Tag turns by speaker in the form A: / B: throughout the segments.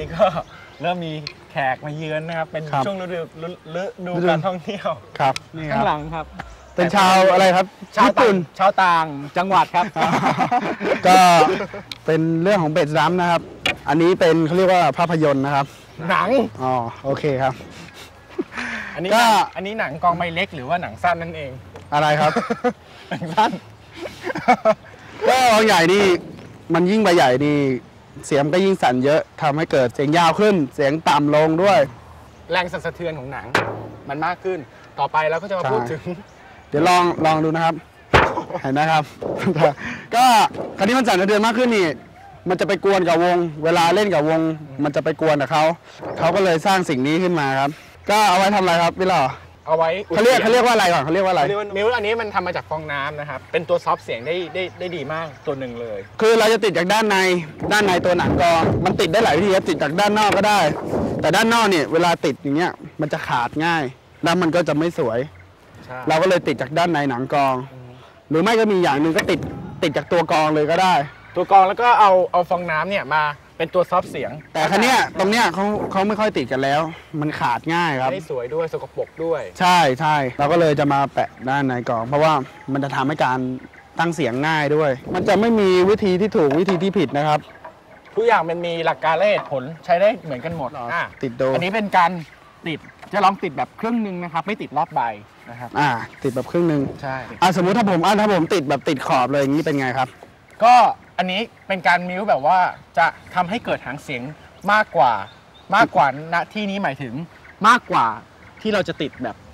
A: นี้ก็เริ่มมีแขกมาเยือนนะครับเป็นช่วงฤดูการท่องเที่ยว
B: ครับนี่
A: ข้างหลังครับ
B: เป็นชาวอะไรครับ
A: ญี่ปุ่นชาวต่างจังหวัดครับ
B: ก็เป็นเรื่องของเบสดัมนะครับอันนี้เป็นเขาเรียกว่าภาพยนตร์นะครับ
A: หนัง
B: อ๋อโอเคครับ
A: อันนี้หนังกองใบเล็กหรือว่าหนังสั้นนั่นเอง
B: อะไรครับ
A: หนังสั้น
B: ก็กองใหญ่นี่มันยิ่งใบใหญ่นี่เสียงก็ยิ่งสั่นเยอะทำให้เกิดเสียงยาวขึ้นเสียงต่ำลงด้วย
A: แรงสั่นสะเทือนของหนังมันมากขึ้นต่อไปเราก็จะมาพูดถึง
B: เดี๋ยวลองดูนะครับเห็นนะครับก็คราวนี้มันสั่นสะเทือนมากขึ้นนี่มันจะไปกวนกับวงเวลาเล่นกับวงมันจะไปกวนกับเขาก็เลยสร้างสิ่งนี้ขึ้นมาครับก็เอาไว้ทำอะไรครับพี่หล่อ
A: เอาไว้
B: เขาเรียกว่าอะไรก่อนเขาเรียกว่าอะไร
A: มิวอันนี้มันทำมาจากฟองน้ำนะครับเป็นตัวซอฟต์เสียงได้ดีมากตัวหนึ่งเลย
B: คือเราจะติดจากด้านในตัวหนังกองมันติดได้หลายวิธีติดจากด้านนอกก็ได้แต่ด้านนอกเนี่ยเวลาติดอย่างเงี้ยมันจะขาดง่ายแล้วมันก็จะไม่สวยเราก็เลยติดจากด้านในหนังกองหรือไม่ก็มีอย่างหนึ่งก็ติดจากตัวกองเลยก็ได้
A: ตัวกองแล้วก็เอาฟองน้ำเนี่ยมาเป็นตัวซอฟต์เสียง
B: แต่ครั้งนี้ตรงเนี้ยเขาไม่ค่อยติดกันแล้วมันขาดง่ายครับ
A: ไม่สวยด้วยสกปรกด้วย
B: ใช่เราก็เลยจะมาแปะด้านในกองเพราะว่ามันจะทำให้การตั้งเสียงง่ายด้วยมันจะไม่มีวิธีที่ถูกวิธีที่ผิดนะครับ
A: ทุกอย่างมันมีหลักการและเหตุผลใช้ได้เหมือนกันหมด
B: ติดโด
A: อันนี้เป็นการติดจะลองติดแบบครึ่งนึงนะครับไม่ติดรอบใบนะครับ
B: ติดแบบครึ่งนึง
A: ใช่
B: สมมุติถ้าผมติดแบบติดขอบเลยอย่างนี้เป็นไงครับ
A: ก็อันนี้เป็นการมิวแบบว่าจะทำให้เกิดหางเสียงมากกว่าณที่นี้หมายถึงมากกว่าที่เราจะติด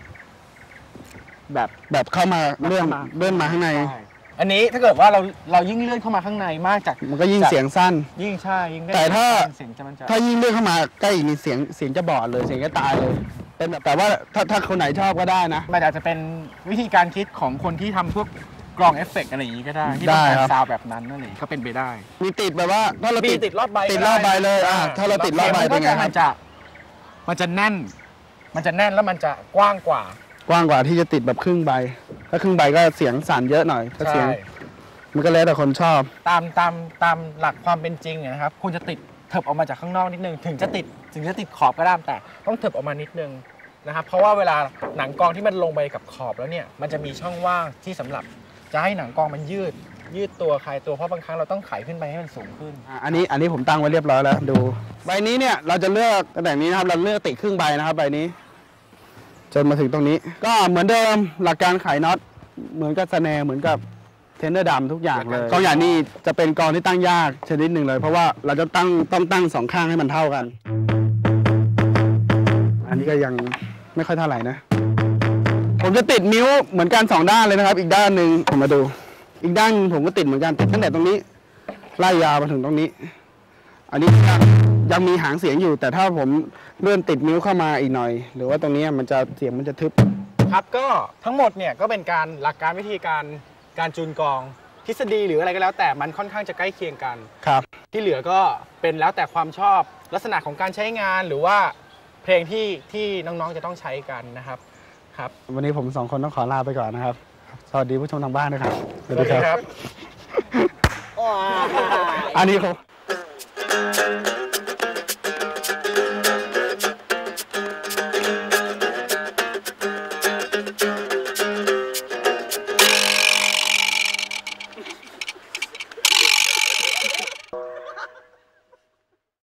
A: แบบ
B: เข้ามาเลื่อนมาข้างใน
A: อันนี้ถ้าเกิดว่าเรายิ่งเลื่อนเข้ามาข้างในมากจาก
B: มันก็ยิ่งเสียงสั้น
A: ยิ่งใช่ยิ่งได้
B: แต่
A: เสียง
B: ถ้ายิ่งเลื่อนเข้ามาใกล้อีกนี่เสียงจะบอดเลยเสียงจะตายเลยเป็นแบบแต่ว่าถ้าคนไหนชอบก็ได้นะ
A: มันอาจจะเป็นวิธีการคิดของคนที่ทำพวกกรองเอฟเฟกต์อะไรอย่างนี้ก็ได้ที่ต้องการซาวแบบนั้นนั่นเองก็เป็นไปได้
B: มีติดแบบว่าถ้าเรา
A: ติดรอบใบ
B: เลยถ้าเราติดรอบใบเป็นไง
A: มันจะแน่นแล้วมันจะกว้างกว่า
B: ที่จะติดแบบครึ่งใบถ้าครึ่งใบก็เสียงสั่นเยอะหน่อยถ้าเสียงมันก็แล้วแต่คนชอบ
A: ตามหลักความเป็นจริงนะครับคุณจะติดเถิบออกมาจากข้างนอกนิดนึงถึงจะติดขอบก็ได้แต่ต้องเถิบออกมานิดนึงนะครับเพราะว่าเวลาหนังกองที่มันลงไปกับขอบแล้วเนี่ยมันจะมีช่องว่างที่สำหรับจะให้หนังกองมันยืดตัวคลายตัวเพราะบางครั้งเราต้องไขขึ้นไปให้มันสูงขึ้น
B: อันนี้ผมตั้งไว้เรียบร้อยแล้วดูใบนี้เนี่ยเราจะเลือกตั้งแต่นี้นะครับเราเลือกติดครึ่งใบนะครับใบนี้จนมาถึงตรงนี้ก็เหมือนเดิมหลักการไขน็อตเหมือนกับสแนร์เหมือนกับเทนเนอร์ดำทุกอย่างเลยกองอย่างนี้จะเป็นกองที่ตั้งยากชนิดหนึ่งเลยเพราะว่าเราจะต้องตั้งสองข้างให้มันเท่ากันอันนี้ก็ยังไม่ค่อยเท่าไหร่นะผมจะติดนิ้วเหมือนกัน2ด้านเลยนะครับอีกด้านหนึ่งผมมาดูอีกด้านผมก็ติดเหมือนกันติดตั้งแต่ตรงนี้ไล่ยาวมาถึงตรงนี้อันนี้ยังมีหางเสียงอยู่แต่ถ้าผมเลื่อนติดนิ้วเข้ามาอีกหน่อยหรือว่าตรงนี้มันจะเสียงมันจะทึบ
A: ครับก็ทั้งหมดเนี่ยก็เป็นการหลักการวิธีการจูนกองทฤษฎีหรืออะไรก็แล้วแต่มันค่อนข้างจะใกล้เคียงกัน
B: ครับ
A: ที่เหลือก็เป็นแล้วแต่ความชอบลักษณะของการใช้งานหรือว่าเพลงที่น้องๆจะต้องใช้กันนะครับ
B: วันนี้ผม2คนต้องขอลาไปก่อนนะครับสวัสดีผู้ชมทางบ้านนะครับ
A: สวัสดีครับ
B: อันนี้ครับ